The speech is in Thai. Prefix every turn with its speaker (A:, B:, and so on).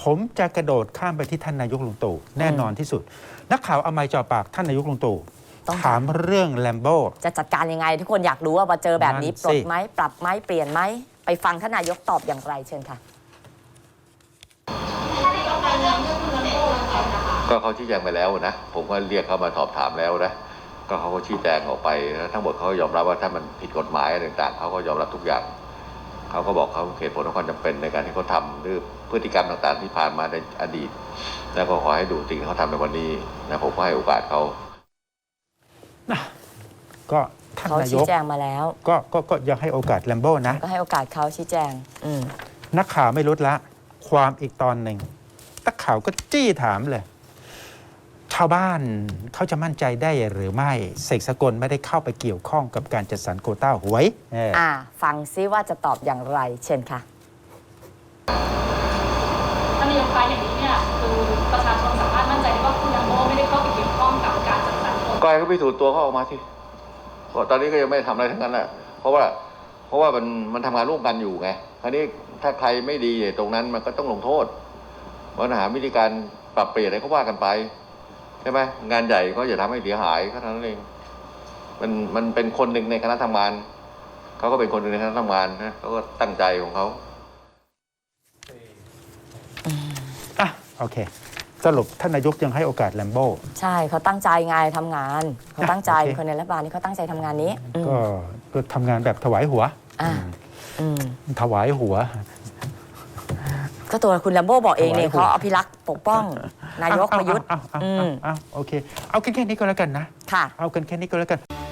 A: ผมจะกระโดดข้ามไปที่ท่านนายกลุงตู่แน่นอนที่สุดนักข่าวเอาไมค์จ่อปากท่านนายกลุงตู่ถามเรื่องแลมโบ้
B: จะจัดการยังไงทุกคนอยากรู้ว่าพอเจอแบบนี้ปลดไหมปรับไหมเปลี่ยนไหมไปฟังท่านนายกตอบอย่างไรเชิญค่ะ
C: ก็เขาชี้แจงไปแล้วนะผมก็เรียกเขามาสอบถามแล้วนะก็เขาก็ชี้แจงออกไปแล้วทั้งหมดเขายอมรับว่าถ้ามันผิดกฎหมายอะไรต่างๆเขาก็ยอมรับทุกอย่างเขาก็บอกเขาเหตุผลและความจำเป็นในการที่เขาทำหรือพฤติกรรมต่างๆที่ผ่านมาในอดีตแล้วก็ขอให้ดูสิ่งที่เขาทำในวันนี้นะผมก็ให้โอกาสเขา
A: ก็ท่านนายก
B: ชี้แจงมาแล้ว
A: ก็ยังให้โอกาสแลมโบ้นะ
B: ก็ให้โอกาสเขาชี้แจง
A: นักข่าวไม่ลดละความอีกตอนหนึ่งนักข่าวก็จี้ถามเลยชาวบ้านเขาจะมั่นใจได้หรือไม่เสกสกลไม่ได้เข้าไปเกี่ยวข้องกับการจัดสรรโควต้าหวย
B: ฟังซิว่าจะตอบอย่างไรเชิญค่ะ
D: ท่านนายกคะอย่างนี้เนี่ยคือประชาชนสามารถมั่นใจได้ว่าคุณแลมโบ้ไม่ได้เข้าไปเกี่ยวข้องกับการจัดสรรโควต้า
C: ก็ให้เขาพิสูจน์ตัวเขาออกมาสิตอนนี้ก็ยังไม่ทำอะไรทั้งนั้นแหละเพราะว่ามันทำงานร่วมกันอยู่ไงคราวนี้ถ้าใครไม่ดีตรงนั้นมันก็ต้องลงโทษปัญหาวิธีการปรับเปลี่ยนอะไรก็ว่ากันไปใช่ไหมงานใหญ่ก็อย่าทำให้เสียหายแค่นั้นเองมันเป็นคนหนึ่งในคณะทำงานเขาก็เป็นคนหนึ่งในคณะทำงานนะเขาก็ตั้งใจของเขา
A: โอเคสรุปท่านนายกยังให้โอกาสแลมโบ้
B: ใช่เขาตั้งใจไงทำงานเขาตั้งใจคนในรัฐบาลนี่เขาตั้งใจทำงานนี้
A: ก็ทำงานแบบถวายหัวถวายหัว
B: ก็ตัวคุณแลมโบ้บอกเองเนี่ยเขาอภิรักษ์ปกป้องนายกประยุทธ์
A: โอเคเอากันแค่นี้ก็แล้วกันนะ
B: ค่ะ
A: เอากันแค่นี้ก็แล้วกัน